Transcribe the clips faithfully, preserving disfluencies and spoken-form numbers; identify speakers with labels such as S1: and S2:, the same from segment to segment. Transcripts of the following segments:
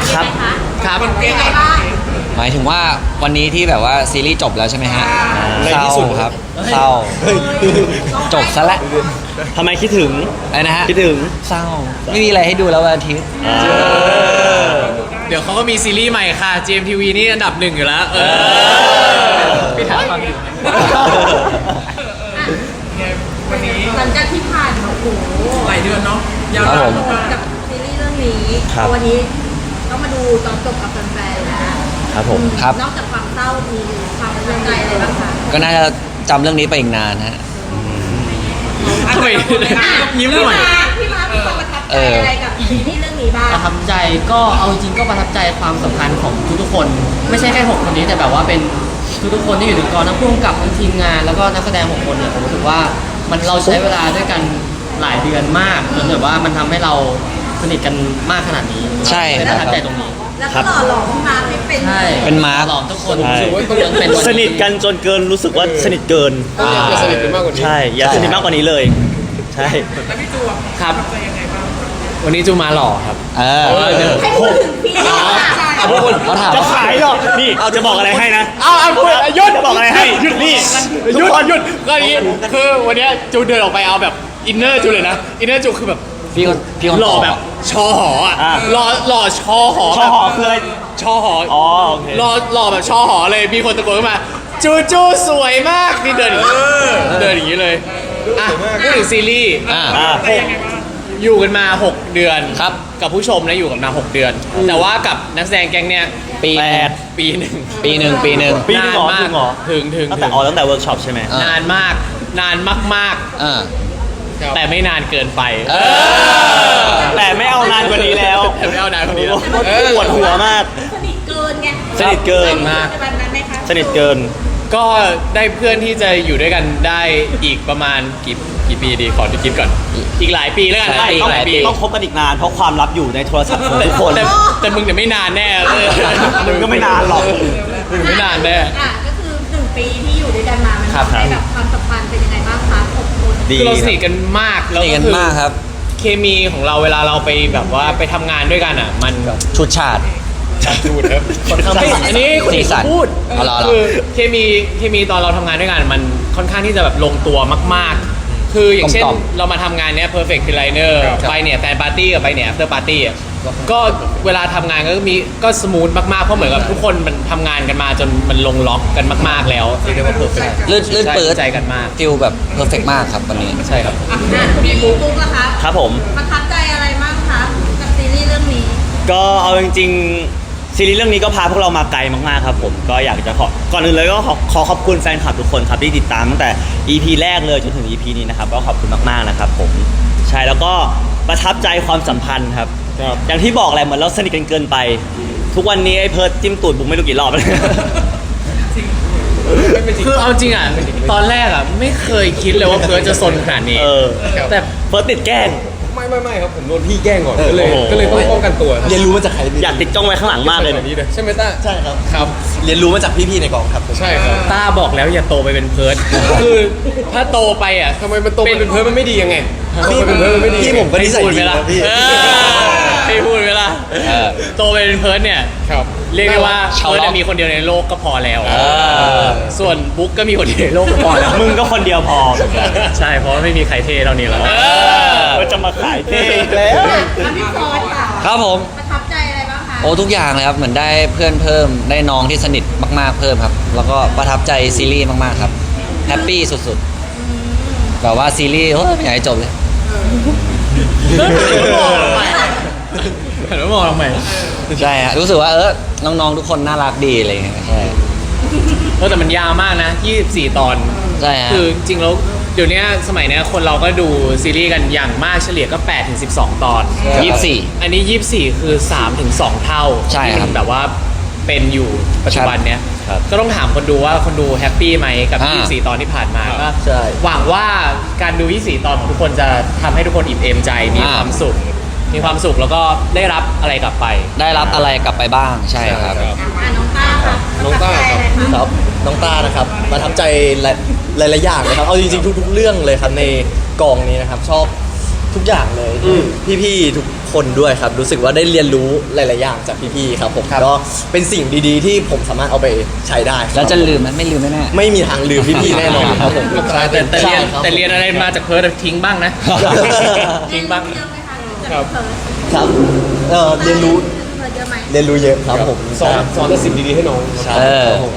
S1: ครับ
S2: ครับ
S3: เป็นไงบ้าง
S2: หมายถึงว่าวันนี้ที่แบบว่าซีรีส์จบแล้วใช่ไหมฮะ
S1: ใน
S2: เศร้า
S1: ที่สุด
S2: ครับเศร้าจบซะแล้ว
S1: ทำไมคิดถึง
S2: อะไรนะฮะ
S1: คิดถึง
S2: เศร้าไม่มีอะไรให้ดูแล้ววันอาทิตย์
S4: เดี๋ยวเขาก็มีซีรีส์ใหม่ค่ะ จี เอ็ม ที วี นี่อันดับหนึ่งอยู่แล้ว เออพี่ถามความอยู่
S3: หลังจากที่ผ่านมาโอ้โห
S4: หลายเดือนเนาะยาว
S2: ครับผม
S3: กับซีรีส์เรื่องนี้
S1: ครับ
S3: วันนี้ต้องมาดูตอนจบกับแฟนๆนะครับ
S1: ผม
S2: ครับ
S3: นอกจากความเศร้ามีความประทับใจอะไรบ้างคะ
S2: ก็น่าจะจำเรื่องนี้ไปอีกนานฮะ
S4: ทำไมยิ้มหน่อย
S3: พี่มาร์คพี่มาร์คมีความประทับใจอะไรกับซีรีส์เรื่องนี้บ้าง
S5: ประทับใจก็เอาจริงก็ประทับใจความสัมพันธ์ของทุกๆคน ไม่ใช่แค่หกคนนี้แต่แบบว่าเป็นทุกๆคนที่อยู่ในกองทั้งผู้กำกับทั้งทีมงานแล้วก็นักแสดงหกคนเนี่ยผมรู้สึกว่ามันเราใช้เวลาด้วยกันหลายเดือนมากจนแบบว่ามันทำให้เราสนิทกันมากขนาดนี้
S2: ใช่
S5: เลย
S2: ค
S5: ป
S2: รับ
S5: ระทับใจตรงนี้
S3: แล้วก็หล่อหลอมพี่มาร์คให้เป็น
S5: ใช่
S2: เป็นมาร์ค
S5: หลอมทุกคน
S1: ใช่
S5: จนเป็นวั
S1: สนิทกันจนเกินรู้สึกว่าสนิทเกิน
S2: อ่า
S1: ใช่อย่าสนิทมากกว่านี้เลย ใช่
S4: ครับ วันนี้จูมาหล่อครับ
S2: เออ
S3: ให้พูดถึงพี่มาร์คค่ะ
S2: เขาถาม
S1: จะขายหรอกนี่จะบอกอะไรให้นะ
S4: เอาเอาพูดหยุด
S1: จะบอกอะไรให้
S4: หยุดนี่หยุดหยุดก็อย่างนี้คือวันเนี้ยจูเดินออกไปเอาแบบอินเนอร์จูเลยนะ อินเนอร์จูคือแบบ
S2: พี่คนพี่คน
S4: หล่อ
S2: ต
S4: แบบชอหออ่ะ
S1: อ่า
S4: หล่อหล่อชอหอ
S1: ชอหอคืออะไร
S4: ชอหอ
S1: อ๋อโอเค
S4: หล่อหล่อแบบชอหอเลยมีคนตะโกนขึ้นมา จูจูสวยมากนี่เดินอย่างนี้เดินอย่างนี้เลยอ่ะพูดถึงซีรีส์
S2: อ่า
S1: อ่า
S4: หกอยู่กันมา หก เดือน
S2: ครับ
S4: กับผู้ชมนะอยู่กันมา หก เดือน แต่ว่ากับนักแสดงแก๊งเนี้ย
S2: ปี
S1: แปด
S4: ปีหนึ่ง
S2: ปีหนึ่งปีหนึ่ง
S1: ปีหนึ่งเหรอ
S4: นานมาก
S1: จริงเหรอ
S4: ถึงถึง
S1: ตั้ง
S4: ถึ
S1: แต่
S4: ง
S1: อ๋อตั้งแต่เวิร์กช็อปใช่ไหม
S2: อ่า
S4: นานมากนานมาก
S2: อ่า
S4: ๆ แต่ไม่นานเกินไป
S2: เออ
S1: แต่ไม่เอานานกว่านี้แล้ว
S4: แต่ไม่เอานานกว่านี้แล้ว
S1: ปวดหัวมาก
S3: สนิทเกินไง
S1: สนิทเกิน
S4: มาก
S3: ในวันนั้นไหมคะ
S1: สนิทเกิน
S4: ก็ได้เพื่อนที่จะอยู่ด้วยกันได้อีกประมาณกี่กี่ปีดีขอดูคิดก่อน อีกหลายปีแล้วกัน
S2: ใช่
S4: อี
S1: ต้อง
S4: กหลายปี
S1: ต้องคบกันอีกนานเพราะความลับอยู่ในโทรศัพท์ของทุกคน
S4: แต่แต่มึงเนี่ยไม่นานแน่เลย
S1: มึงก็ไม่นานหรอก
S4: มึงไม่นานแน่
S3: อ่ะก็คือหนึ่งปีที่อยู่ด้วยกันมา มัน
S4: ครับ
S3: ทำให้แบบความสัมพันธ์เป็นยังไงบ้างคะหกคน
S1: ดี
S4: คือเราสนิทกันมาก
S2: ส
S4: แล้ว
S2: นิทกัน
S4: คือ
S2: มากครับ
S4: เคมีของเราเวลาเราไปแบบว่าไปทำงานด้วยกันอ่ะ มันแบบ
S2: ชุดฉาด
S4: พูดครับอันนี้คน
S2: สี
S4: อื่น
S2: สัน
S4: เขาพูด
S2: เอาเหรอเอาเหรอ
S4: คือเคมีเคมีตอนเราทำงานด้วยกันมันค่อนข้างที่จะแบบลงตัวมากๆ คืออย่างเช่น
S2: กลมกล่อม
S4: เรามาทำงานเนี้ย perfect designer ไปเนี่ยแฟนปาร์ตี้กับไปเนี่ย after party อ่ะก็เวลาทำงานก็มีก็สมูทมากๆ เพราะเหมือนกับทุกคนมันทำงานกันมาจนมันลงล็อกกันมากๆแล้วเรียกว่า perfect
S2: ลื่นลื่นปืด
S4: ใจกันมาก
S2: ฟิลแบบเพอร์เฟกมากครับวันนี้
S4: ใช่ครับ
S3: อ่ะพี่บุ๊กบุ๊กนะคะ
S1: ครับผม
S3: ประทับใจอะไรบ้างคะกับซีรีส์เรื่องนี้
S1: ก็เอาจริงๆซีรีส์เรื่องนี้ก็พาพวกเรามาไกลมากๆครับผมก็อยากจะขอก่อนอื่นเลยก็ขอขอขอบคุณแฟนคลับทุกคนครับที่ติดตามตั้งแต่ อี พี แรกเลยจนถึง อี พี นี้นะครับก็ขอบคุณมากๆนะครับผมใช่แล้วก็ประทับใจความสัมพันธ์ครับอย่างที่บอกแหละเหมือนเราสนิทกันเกินไป ทุกวันนี้ไอ้เพิร์ดจิ้มตูดบุกไม่รู้กี่รอบแล้ว
S4: คือเอาจริงอ่ะตอนแรกอ่ะไม่เคยคิดเลยว่าเพิร์ทจะซนขนาดนี้
S1: เออ
S4: แต่
S1: เพิร์ดติดแกล้ง
S6: ไม่ไม่ไม่ครับผมโดนพี่แกล้งก่อนก็เลย
S1: โอ้โห
S6: ก็เลยต้องป้องกันตัวครับ
S7: เรียนรู้มาจากใคร
S1: อยากติดจ้องไว้ข้างหลังมากเลย
S6: แบบนี้เลยใช่ไหมต้า
S7: ใช่ครับ
S4: ครับ
S7: เรียนรู้มาจากพี่ๆในกองครับผม
S6: ใช่ครับ
S4: ต้าบอกแล้วอย่าโตไปเป็นเพิร์ทคือถ้าโตไปอ่ะ
S6: ทำไมมันโตเป็นเพิร์ดมันไม่ดียังไงโต
S7: พี่
S6: เป็นเพิร์ดมันไม่ดี
S7: พี่ผมก็นิสัย
S4: พูด
S7: ดี
S4: ไหมล่ะ
S7: นะพี่
S4: เออพี่พูดไหมล่ะ
S2: เออ
S4: โตไปเป็นเพิร์ทเนี่ย
S6: ครับ
S4: เรียกได้ว่า
S2: ชาว
S4: เพิร์ท
S2: ล็อก
S4: จะมีคนเดียวในโลกก็พอแล้ว
S2: เออ
S4: ส่วนบุ๊กก็มีคนเดียวในโลกก็พอแล้ว
S1: มึงก็คนเดียวพอ
S4: ใช่เพราะว่าไม่มีใครเท่เท่านี้แล้ว
S1: ก็จะมาขายเท่อีกแล้ว
S3: อ่ะพี่ฟอร์ดค่ะ
S2: ครับผม
S3: ประทับใจอะไรบ้างคะ
S2: โอ้ทุกอย่างเลยครับเหมือนได้เพื่อนเพิ่มได้น้องที่สนิทมากๆเพิ่มครับ แล้วก็ประทับใจซีรีส์มากๆครับแฮปปี้สุดๆแบบว่าซีรีส์เฮ้ยไม่อยากให้จบเลย
S4: เห็นว่ามองทำไม
S2: ใช่ฮะรู้สึกว่าเออน้องๆทุกคนน่ารักดีอะไรอย่างเงี้ยใช่
S4: เออแต่มันยาวมากนะยี่สิบสี่ตอน
S2: ใช่ฮะ
S4: คือจริงๆแล้วเดี๋ยวนี้สมัยเนี้ยคนเราก็ดูซีรีส์กันอย่างมากเฉลี่ยก็แปดถึงสิบสองตอน
S2: ยี่สิบสี่
S4: อันนี้ยี่สิบสี่คือสามถึงสองเท่า
S2: ใช่ครับ
S4: ที่มันแบบว่าเป็นอยู่ปัจจุบันเนี้ย
S1: ครับ
S4: ก็ต้องถามคนดูว่าคนดูแฮปปี้ไหมกับ
S2: อ่า
S4: ยี่สิบสี่ตอนที่ผ่านมาก็
S7: ใช่
S4: หวังว่าการดูยี่สิบสี่ตอนของทุกคนจะทำให้ทุกคนอิ่มเอมใจมีความสุข มีความสุขแล้วก็ได้รับอะไรกลับไป
S2: ได้รับอะไรกลับไปบ้างใช่ครับ
S3: อ่ะน้องต้าค่ะ
S7: น้องต้า
S3: ประทับใจอะไรคะ
S7: ครับน้องต้านะครับประทับใจหลายหลายๆอย่างเลยครับเอาจริงๆทุกๆเรื่องเลยครับในกองนี้นะครับชอบทุกอย่างเลย
S6: อืม
S7: พี่ๆทุกคนด้วยครับ รู้สึกว่าได้เรียนรู้หลายๆอย่างจากพี่ๆครับผมก็เป็นสิ่งดีๆ ที่ผมสามารถเอาไปใช้ได้ครับ
S2: แล้วจะลืมไหมไม่ลืมแน่
S7: ไม่มีทางลืมพี่ๆแน่นอนครับผม
S4: แต่แต่เรียน
S5: ใช่ครับ
S4: แต่เรียนอะไรมาจากเพิร์ดทิ้งบ้างนะ ทิ้งบ้าง
S3: เยอะไหมคะ
S6: ครับ
S7: ครับเอ่อเรียนรู้
S3: เยอะไหม
S7: เรียนรู้เยอะครับผม
S6: สอนสอนแต่สิ่งดีๆให้น้อง
S7: ใช่
S2: เออ
S7: ครับผม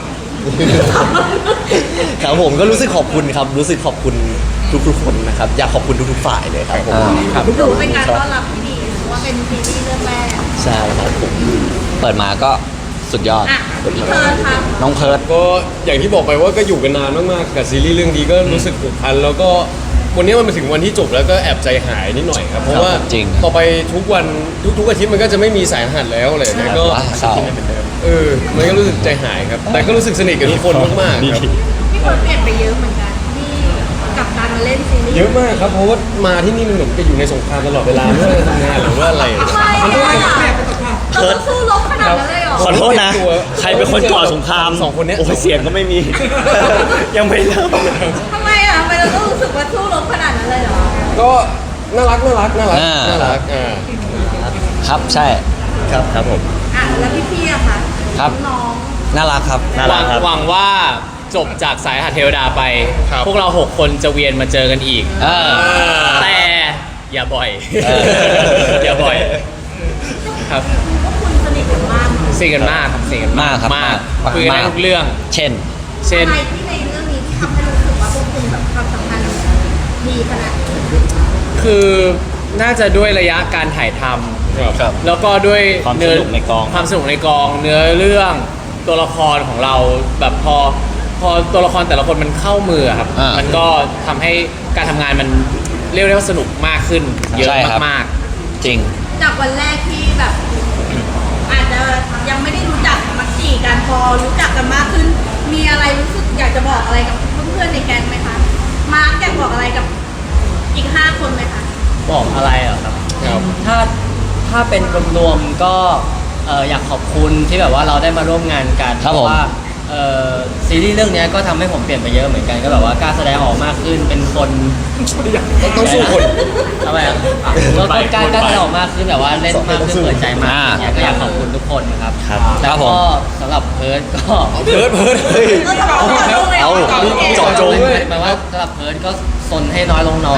S7: ครับผมก็รู้สึกขอบคุณครับ รู้สึกขอบคุณทุกๆคนนะครับ อยากขอบคุณทุกๆฝ่ายเลยครับผม
S2: ครับ
S3: ถือว่าเป็นการต้อนรับที่ดีเพราะว่าเป็นซีรีส์เรื่องแรก
S7: ใช่ครับผม
S2: เปิดมาก็สุดยอด
S3: อ่ะพี่เพิร์นครับ
S2: น้องเพิร์ด
S6: ก็อย่างที่บอกไปว่าก็อยู่กันนานมากๆกับซีรีส์เรื่องนี้ก็รู้สึกผูกพันแล้วก็วันนี้มันมาถึงวันที่จบแล้วก็แอบใจหายนิดหน่อยครับเพราะว่า
S2: จริง
S6: ต่อไปทุกวันทุกๆอาทิตย์มันก็จะไม่มีสายรหัสแล้วอะไรอย่างเงี้ยก็
S2: ว้าเศร้า
S6: เออมันก็รู้สึกใจหายครับ แต่ก็รู้สึกสนิทกับทุกคนมากๆครับ
S3: พี่เพิร์นเปลี่ยนไปเยอะเหมือนกันที่กับการมาเล่นซีรีส์
S6: เยอะมากครับเพราะว่ามาที่นี่มันเหมือนกับอยู่ในสงครามตลอดเวลาไม่ว่าจะทำงานหรือว่าอะไร
S3: ทำไมอ่ะเราต้องสู้รบขนาดนั้นเลยเหรอ
S1: ขอโทษนะ ใครเป็นคนก่อสงคราม
S6: สองคนเนี้ย
S1: โอ้ยเสียงก็ไม่มี ยังไม่เริ่มเลย
S3: ทำไมอ่ะทำไมเราต้องรู้สึกว่าสู้รบขนาดนั้นเลยเหรอ
S6: ก็น่ารักน่ารักน่ารัก
S2: อ่า
S6: น่ารักอ่า
S2: ครับใช่
S7: ครับ
S1: ครับผม
S3: อ่ะแล้วพี่พี่อะคะ
S2: ครับ
S3: น้อง
S2: น่ารักครับ
S1: น่า
S4: ห
S1: รั
S4: วั
S1: ก
S4: ง
S1: ครับ
S4: หวังว่าจบจากสายหัดเทวดาไป พวกเราหกคนจะเวียนมาเจอกันอีก
S2: เออ
S4: แต่อย่าบ่อย
S2: เออ
S4: อย่าบ่อย ครับ
S3: พวกคุณสนิทกันมาก
S4: สิ่งกันมากครับสิ่งกันมาก
S2: มากครับ
S4: มาก
S2: มาก
S4: คุยกันได้ทุกเรื่อง
S2: เช่น
S4: เช่น
S3: อะไรที่ในเรื่องนี้ที่ทำให้รู้สึกว่าพวกคุณแบบความสัมพันธ์ดีขนาดนี้
S4: คือน่าจะด้วยระยะการถ่ายท
S6: ครับ
S4: ำแล้วก็ด้วย
S1: ความส
S4: เนื้อ
S1: นุกในกอง
S4: ความสนุกในกอง เนื้อเรื่องตัวละครของเราแบบพอพอตัวละครแต่ละคนมันเข้ามืออะครับ
S2: อ่ามั
S4: มันก็ทำให้การทำงานมันเรียกได้ว่าสนุกมากขึ้น เยอะ
S2: ใช่ครับ
S4: มาก
S2: จริง
S3: จากวันแรกที่แบบ อาจจะยังไม่ได้รู้จักมักจีกันพอรู้จักกันมากขึ้น มีอะไรรู้สึกอยากจะบอกอะไรกับเพื่อนๆในแก๊งไหมคะมาร์กอยากบอกอะไรกับอีกห้าคนไหมคะ
S5: บอกอะไรเหรอครับ
S6: ครับ
S5: ถ้าถ้าเป็นรวมๆก็เอ่ออยากขอบคุณที่แบบว่าเราได้มาร่วมงานกัน
S2: ครับ
S5: เพ
S2: ผม
S5: ราะว่าเอ่อซีรีส์เรื่องเนี้ยก็ทำให้ผมเปลี่ยนไปเยอะเหมือนกันก็แบบว่ากล้าแสดงออกมากขึ้นเป็นคน
S6: ต้องสู้คน
S5: ทำไมอ่ะก็ก็กล้ากล้าแสดงออกมากขึ้นแบบว่าเล่นมากขึ้นเปิดใจมากขึ้นเนี่ยก็อยากขอบคุณทุกคนนะครับ
S1: ครับ
S5: แล้ว
S2: ครับผ
S5: ก็
S2: ม
S5: สำหรับเพิร์ดก็
S6: เพิร์ดเพิร์ดเฮ้ย
S3: เราจะบอกว่าเราเลย
S1: เอา
S6: เจาะจงด้วย
S5: หมายว่าสำหรับเพิร์ดก็ซนให้น้อยลงหน่อย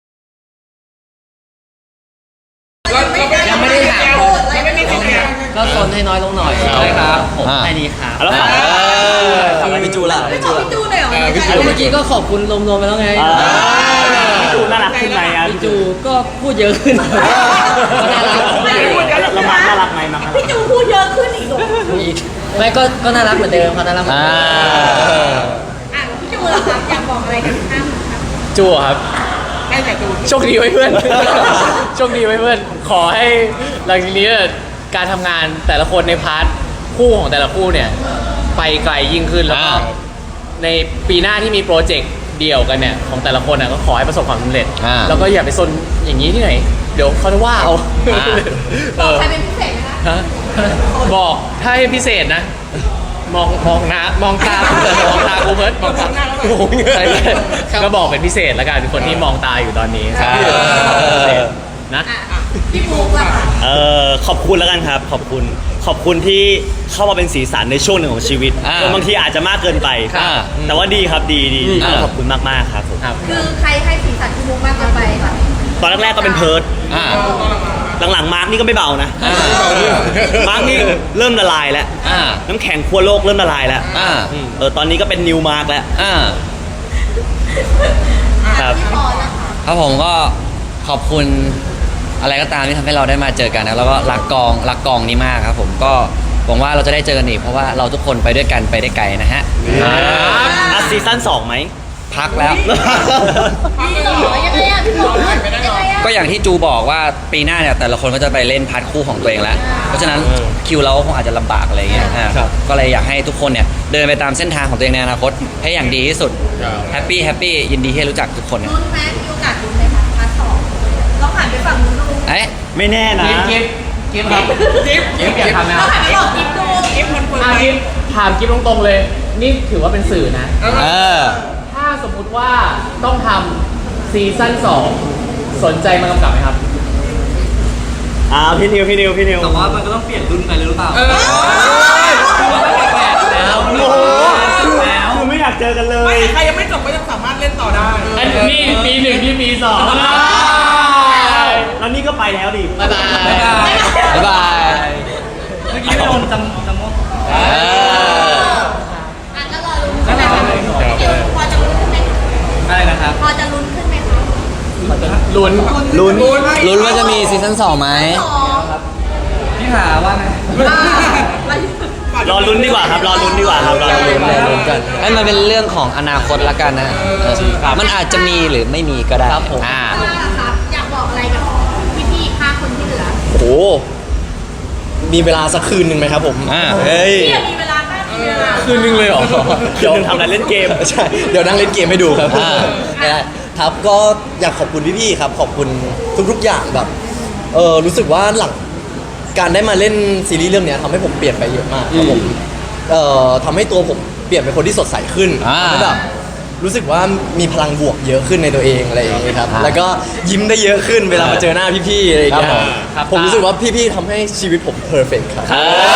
S5: ยังไม่ได้ถาม
S3: ยังไม่ได้ถาม
S5: ก็ซนให้น้อยลงหน่อย
S6: ใช่ครับ
S5: ผม
S2: อ่า
S5: แค่นี้ครับ
S1: แล้วฝาก
S7: พี่จูล่ะ
S3: ไม่
S7: พี่
S3: บอ
S7: จู
S3: ก
S7: ล่ะ
S3: พี่จูเลยเหรอ
S6: เออพี่จู
S5: เมื่อกี้ก็ขอบคุณรวมๆไปแล้วไง
S1: อ่าพี่จูน่ารักขึ้นไหมอ่ะ
S5: พี่จูก็พูดเยอะขึ้นก็น่ารัก
S3: ไม่ได้พูดกัน
S1: แล้วมาน่ารักไหมมาน่ารัก
S3: พี่จูพูดเยอะขึ้นอีกเหรอ
S5: อีกไม่ก็ก็น่ารักเหมือนเดิมเขาน่ารักเหมือน
S2: อ่า
S5: เดิม
S3: อ่ะพี่จูล่ะครับอยากบอกอะไรกับท่านครับ
S4: ๆจูครับโชคดีไว้เพื่อน โชคดีไว้เพื่อน ขอให้หลังจากนี้การทำงานแต่ละคนในพาร์ทคู่ของแต่ละคู่เนี่ย ไปไกลยิ่งขึ้นแล้วก็
S2: อ่า
S4: ในปีหน้าที่มีโปรเจกต์เดี่ยวกันเนี่ยของแต่ละคนน่ะก็ขอให้ประสบความสำเร็จ
S2: อ่า
S4: แล้วก็อย่าไปซนอย่างนี้ที่ไหน เดี๋ยวเขาจะว่าเอา
S2: อ่า
S4: เออ
S3: ใครเป็นพิเศษไหมคะ
S4: ฮะบอกถ้าให้พิเศษนะ มองมองหน้ามองตามองตากูเพิร์ดมองตาใช่ไหมก็บอกเป็นพิเศษแล้วกันคนที่มองตาอยู่ตอนนี้
S2: ครับ
S4: พิเศษนะ
S3: อ่ะพี่บุ๊กล่ะคะ
S1: เอ่อขอบคุณแล้วกันครับ ขอบคุณ ขอบคุณที่เข้ามาเป็นสีสันในช่วงหนึ่งของชีวิต
S2: อ่า
S1: บางทีอาจจะมากเกินไป
S2: อ่า
S1: แต่ว่าดีครับดีดีดี
S2: อ่า
S1: ขอบคุณมากๆครับผม
S4: ครับ
S3: คือใครให้สีสันพี่บุ๊กมากเกินไปคะ
S1: ตอนแรกๆก็เป็นเพิร์ด
S2: อ่า
S1: หลังๆมาร์กนี่ก็ไม่เบานะ
S2: อ่า
S1: มาร์กนี่เริ่มละลายแล้ว
S2: อ่า
S1: น้ำแข็งขั้วโลกเริ่มละลายแล้ว
S2: อ่า
S1: เออตอนนี้ก็เป็นนิวมาร์กแล้ว
S2: อ่า
S1: ครับ
S3: พี่พอแล้วค่ะ
S2: ครับผมก็ขอบคุณอะไรก็ตามที่ทำให้เราได้มาเจอกันนะแล้วก็รักกองรักกองนี้มากครับผมก็หวังว่าเราจะได้เจอกันอีกเพราะว่าเราทุกคนไปด้วยกันไปได้ไกลนะฮะ
S1: อ่ะซีซั่นสองไหม
S2: พักแล้ว
S3: พี่หล่อยังไงอ่ะพี่บอกยังไงอ่ะ
S2: ก็อย่างที่จูบอกว่าปีหน้าเนี่ยแต่ละคนก็จะไปเล่นพาร์ทคู่ของตัวเองแล้ว เพราะฉะนั้นคิวเราก็คงอาจจะลำบากอะไรเงี้ยอ่า
S7: ครับ
S2: ก็เลยอยากให้ทุกคนเนี่ยเดินไปตามเส้นทางของตัวเองในอนาคตให้อย่างดีที่สุด
S6: ครับ
S2: แฮปปี้แฮปปี้ยินดีที่ได้รู้จักทุกคนนะ
S3: ลุ้นไหมมีโอกาสลุ้นไหมคะพาร์ทสองลองหันไปฝั่งนู้นดู
S2: เอ๊ะ
S1: ไม่แน่นะ
S4: กิฟกิฟครับกิฟกิฟอยากทำนะ
S3: เราหันไปบอกกิ๊บดูกิ๊บมัน
S4: อ่ะกิฟถามกิฟตรงๆเลย นี่ถือว่าเป็นสื่อนะ
S2: เออ
S4: ถ้าสมมุติว่าต้องทำซีซั่นสองสนใจมากำกับไหมครับ
S1: อ่าพี่นิวพี่นิวพี่นิว
S2: แต่ว่ามันก็ต้องเปลี่ยนรุ่นไปเลยหรือเปล่า
S4: แล้ว
S1: โอ้โหคือไม่อยากเจอกันเลย
S8: ใครยังไม่จบก็ยังสามารถเล่นต่อได้
S4: อันนี้ปีหนึ่งที่ปีสอง
S1: แล้วนี่ก็ไปแล้วดิ
S4: บ๊ายบาย
S2: บ๊ายบาย
S5: เมื่อกี้ไม่โดนจำจำมด
S2: เออ
S3: อ่ะก็รอลุ้นใช่ไหมคะพี่นิวพอจะลุ้นขึ้นไหมคะ
S2: อะไรนะครับ
S3: พอจะลุ้นขึ้นไหมคะ
S4: ลุ้น
S1: ลุ้น
S2: ลุ้นว่าจะมีซีซั่นสองไหม
S3: สอง
S2: พี่หาว่าไง
S1: รอลุ้นดีกว่าครับ รอลุ้นดีกว่าครับรอลุ้น
S2: รอลุ้นกันให้มันเป็นเรื่องของอนาคตละกันนะเออมันอาจจะมีหรือไม่มีก็ได้ครับผมอ่า
S3: ว่าล่ะครับอยากบอกอะไรกับพี่ๆห้าคนที่เหลือ
S7: โอ้โหมีเวลาสักคืนหนึ่งไหมครับผม
S2: อ่า
S7: เฮ้ย
S3: พี่มีเวลาแป๊บเดียวนะ
S6: คืนนึงเลยเหรอ
S1: เดี๋ยวทำอะไรเล่นเกม
S7: ใช่ เดี๋ยวนั่งเล่นเกมให้ดูครับ
S2: อ่า
S7: ไม่ได้ครับก็อยากขอบคุณพี่ๆครับ ขอบคุณทุกๆอย่างแบบเออรู้สึกว่าหลังการได้มาเล่นซีรีส์เรื่องเนี้ยทำให้ผมเปลี่ยนไปเยอะมากครับผมเอ่อทำให้ตัวผมเปลี่ยนเป็นคนที่สดใสขึ้น
S2: อ่า
S7: ทำให้แบบรู้สึกว่ามีพลังบวกเยอะขึ้นในตัวเองอะไรอย่างเงี้ยครับ
S2: อ่า
S7: แล้วก็ยิ้มได้เยอะขึ้นเวลามาเจอหน้าพี่ๆอะไรอย่างเงี้ย
S2: ครับผม
S7: ผมรู้สึกว่าพี่ๆทำให้ชีวิตผมเพอร์เฟกต์ครับ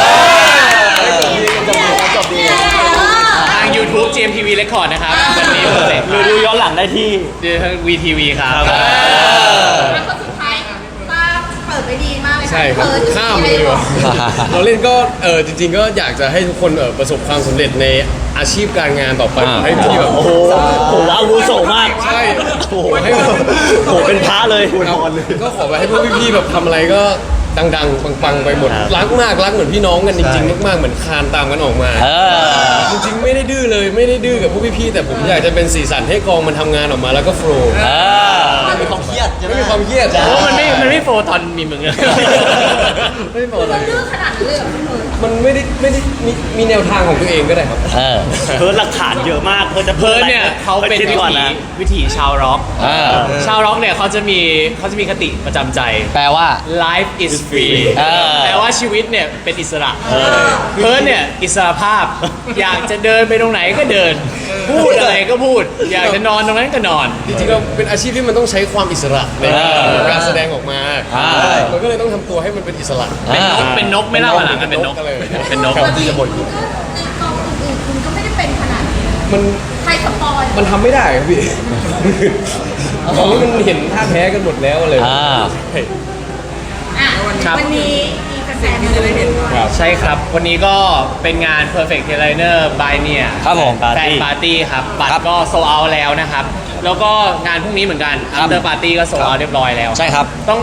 S7: จบดี
S4: ทาง YouTube จี เอ็ม ที วี Record นะครับวันนี้เสร็จ
S1: หรือดูย้อนหลังได้ที่
S4: ทาง วี ที วี ครับ
S1: ครับ
S3: แล้วคนสุดท้ายป้าเปิดไปดีมากเลยะ
S6: ใช่ครับ
S3: เปิด
S6: ข้ามเลยดีกว่าเราเล่นก็เออจริง ๆ ก็อยากจะให้ทุกคนเออประสบความสำเร็จในอาชีพการงานต่อไป
S2: อ่า
S6: ให้ที่แบบ
S1: โอ้โหโหอาวุโสมาก
S6: ใช่
S1: โอ้โหให้แบบโหเป็นพระเลย
S6: ก็ขอไปให้พวกพี่ๆแบบทำอะไรก็ดังๆปังๆไปหมด
S1: ครับ
S6: รักมากรักเหมือนพี่น้องกันจริงๆมากๆเหมือนคานตามกันออกมา
S2: เออ
S6: จริงๆไม่ได้ดื้อเลยไม่ได้ดื้อกับพวกพี่ๆแต่ผมอยากจะเป็นสีสันให้กองมันทำงานออกมาแล้วก็โฟล์
S2: เออ
S7: ไม่มีความเครียดใช่ไหม
S6: ไม่มีความเครียด
S4: เพราะว่ามันไม่ มันไม่โฟร์ตอนมีมึงอะ
S6: ไม่โฟล์เล
S3: เรา
S6: ย
S3: ดื้อขนาดนั้นเลยเหรอพี่เพิร์ด
S6: มันไม่ได้ไม่ได้มีมีแนวทางของตัวเองก็ได้ครับ
S2: เออ
S1: เพิร์ดหลักฐานเยอะมากเพิร์ดจะ
S4: เพิร์ดเนี่ยเขาเป็น
S1: คิด
S4: วิ
S1: ก่อน
S4: ถี
S1: นะ
S4: วิถีชาวร็อก
S2: เออ
S4: ชาวร็อกเนี่ยเขาจะมีเขาจะมีคติประจำใจ
S2: แปลว่า
S4: life is free
S2: เออ
S4: แปลว่าชีวิตเนี่ยเป็นอิสระเพิร์ดเนี่ยอิสระภาพ อยากจะเดินไปตรงไหนก็เดิน พูดอะไรก็พูด อยากจะนอนตรงนั้นก็นอน
S6: จริงๆเราเป็นอาชีพที่มันต้องใช้ความอิสระใน
S2: เออ
S6: การแสดงออกมา
S2: อ่า
S6: มันก็เลยต้องทำตัวให้มันเป็นอิสระ
S4: เป็นนก
S2: อ่า
S4: เป็นนกไม่เล่าหลังกันเป็นนก
S6: อะไรอย่างเงี้ย
S4: เป็นนก
S3: ปกติคุณก็ในกองอื่นๆคุณก็ไม่ได้เป็นขนาดนี้
S6: มัน
S3: ใครสปอย
S6: มันทำไม่ได้ครับพี่ตอนนี้มันเห็นท่าแพ้กันหมดแล้วเลย
S2: อ่า
S3: อ่ะ
S4: ครับ
S3: วันนี้มีแฟนๆที่จะได้เห็น
S6: ครับ
S4: ใช่ครับ วันนี้ก็เป็นงาน Perfect Trainer by เนี่ย
S2: ครับผม
S4: แฟนปาร์ตี้ครับ บัต
S2: ครั
S4: ร
S2: บ
S4: ก็โซเอาแล้วนะครับ แล้วก็งานพรุ่งนี้เหมือนกัน
S2: ครับ
S4: After Party ก็โซเอาเรียบร้อยแล้ว
S2: ใช่ครับ
S4: ต้อง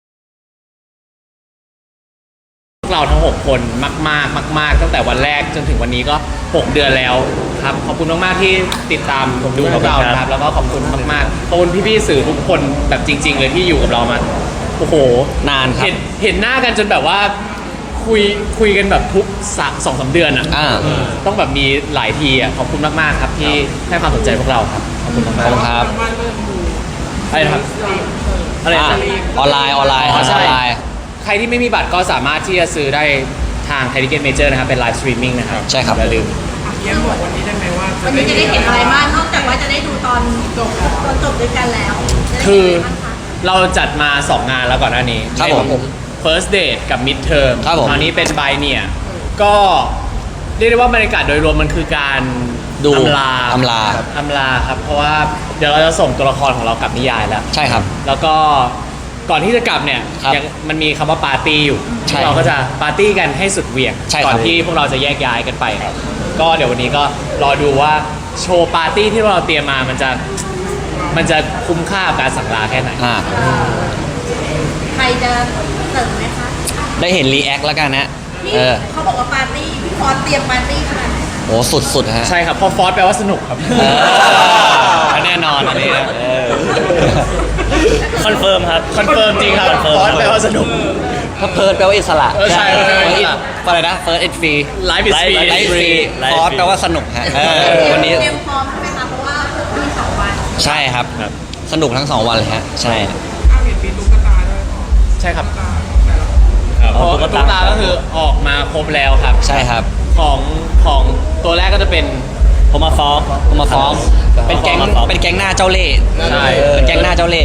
S4: พวกเราทั้ง หก คนมากๆมาก ๆ ตั้งแต่วันแรกจนถึงวันนี้ก็ หก เดือนแล้วครับ ขอบคุณมาก ๆ ที่ติดตามดูพวกเรานะครับ แล้วก็ขอบคุณมากๆขอบคุณพี่ ๆ สื่อทุกคนแบบจริง ๆ เลยที่อยู่กับเรามา โอ้โห
S2: นานครับ
S4: เห็นเห็นหน้ากันจนแบบว่าคุยคุยกันแบบทุกสักสองสามเดือนอ่ะ
S2: อ่า
S4: ต้องแบบมีหลายทีอ่ะขอบคุณมากๆครับที่ให้ความสนใจพวกเราครับขอบคุณ
S2: ขอบ
S4: มาก
S2: คุณครับ
S4: ๆอะไรนะครับอะไร
S2: อ่า
S4: นะ
S2: ออนไลน์ออนไลน์
S4: อ๋อใช่
S2: ออนไลน์
S4: ใครที่ไม่มีบัตรก็สามารถที่จะซื้อได้ทางไทยทิเก็ตเมเจอร์นะครับเป็นไลฟ์สตรีมมิ่งนะครับ
S2: ใช่ครับ
S4: อย่าลืม
S8: เยี่ยมบอกวันนี้ได้ไหมว่า
S3: วันนี้จะได้เห็นอะไรบ้างนอกจากว่าจะได้ดูตอนจบตอนจบด้วยกันแล้วจะได้
S4: คือ
S3: เห็นอะไรบ้างคะ
S4: เราจัดมาสองงานแล้วก่อนหน้านี้
S2: ครับผม
S4: เป็น first date กับ mid term
S2: ครับผม
S4: คราวนี้เป็น by เนี่ยก็เรียกได้ว่าบรรยากาศโดยรวมมันคือการ
S2: ดู
S4: อำลา
S2: อำลา
S4: อำลาครับ เพราะว่าเดี๋ยวเราจะส่งตัวละครของเรากลับนิยายแล้ว
S2: ใช่ครับ
S4: แล้วก็ก่อนที่จะกลับเนี่ย
S2: ครับ
S4: ยังมันมีคำว่าปาร์ตี้อยู่
S2: ใช่
S4: เราก็จะปาร์ตี้กันให้สุดเหวี่ยง
S2: ใช่ครับ
S4: ก่อนที่พวกเราจะแยกย้ายกันไป ก็เดี๋ยววันนี้ก็รอดูว่าโชว์ปาร์ตี้ที่เราเตรียมมามันจะมันจะคุ้มค่ากับการสั่งลาแค่ไหน
S2: อ่า
S3: ใครจะเสริมไหมคะ
S2: ได้เห็นรีแอคแล้วกันนะ
S3: นี่
S2: เออ
S3: เขาบอกว่าปาร์ตี้พี่พอสเตรียมปาร์ตี้ขนาดไหนคะ
S2: โอ้สุดสุดๆฮะ
S4: ใช่ครับเพอฟอสแปลว่าสนุกครับ
S2: เออแน่นอนอันนี้นะเออ
S1: คอนเฟิร์มครับ
S4: คอนเฟิร์มจริงครับ
S1: คอนเฟิร์ม
S4: ฟอสแปลว่าสนุก
S2: ถ้าเพิร์ดแปลว่าอิสระ
S4: เออใช่
S2: เฟิร์
S4: ใช่
S2: ดอะไรนะเฟิร์สเอ็ดฟรี
S4: Life is free
S2: ไลฟ์ฟรี
S1: Life
S2: ฟอร์ส
S1: free
S2: แปลว่าสนุกฮะเออวันนี้
S3: เตรียมพร้อมใช่ไหมคะเพราะว่ามีสองวัน
S2: ใช่ครับ สนุกทั้งสองวันเลยฮะ ใช่
S8: อ้าวเห็นมีตุ๊กตาด้วย
S4: ใช่ครับ
S1: ครับ
S4: เพราะตุ๊กตาก็คือออกมาครบแล้วครับ
S2: ใช่ครับ
S4: ของของตัวแรกก็จะเป็น
S1: ผมมาฟ้อง
S2: ผมมาฟ้องเป็นแก๊ง
S1: มาฟ้อง
S2: เป็นแก๊งหน้าเจ้าเล่ห์
S4: ใช่
S2: เป็นแก๊งหน้าเจ้าเล่ห์
S4: ตัว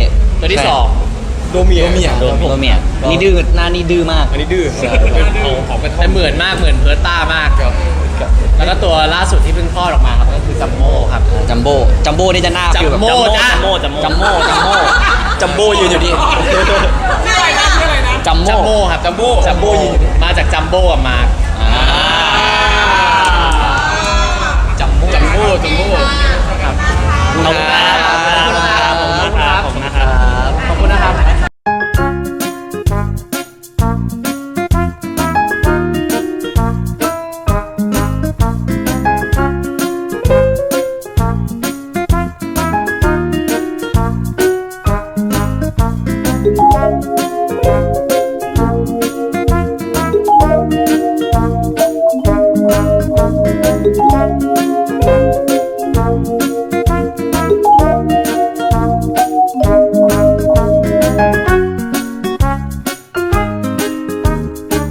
S4: ตัวที่สอง
S6: โดเมีย
S7: โดเมีย
S6: ครับผม
S2: โดเมียอันนี้ดื้อหน้านี่ดื้อมาก
S6: อันนี้ดื้อเอาของกระท่อ
S4: แต่
S6: ม
S4: เหมือนมากเหมือนเพิร์ตต้ามาก
S6: ครับครับ
S4: แล้วก็ตัวล่าสุดที่เพิ่งคลอดออกมาครับก็คือจัมโบ้ครับ
S2: จัมโบ้จัมโบ้นี่จะหน้าฟิลแบบ
S4: จั
S2: จั
S4: ม
S2: ม
S4: โบ้
S2: โบ้
S4: จ้ะ
S1: จัมโม่จัมโม่
S2: จัมโบ้จัมโบ้
S7: จัมโบ้ยืนอยู่นี่
S3: ชื่ออะไรนะชื่ออะไรนะ
S2: จัม
S4: จัม
S2: โบ้
S4: โบ้ครับจัมโบ้จัมโบ้มาจากจัมโบ้กับมาร์ค
S2: อ่า
S4: จัมโบ้จัมโบ้จัมโบ้
S3: ครับ
S1: ขอบคุณครับ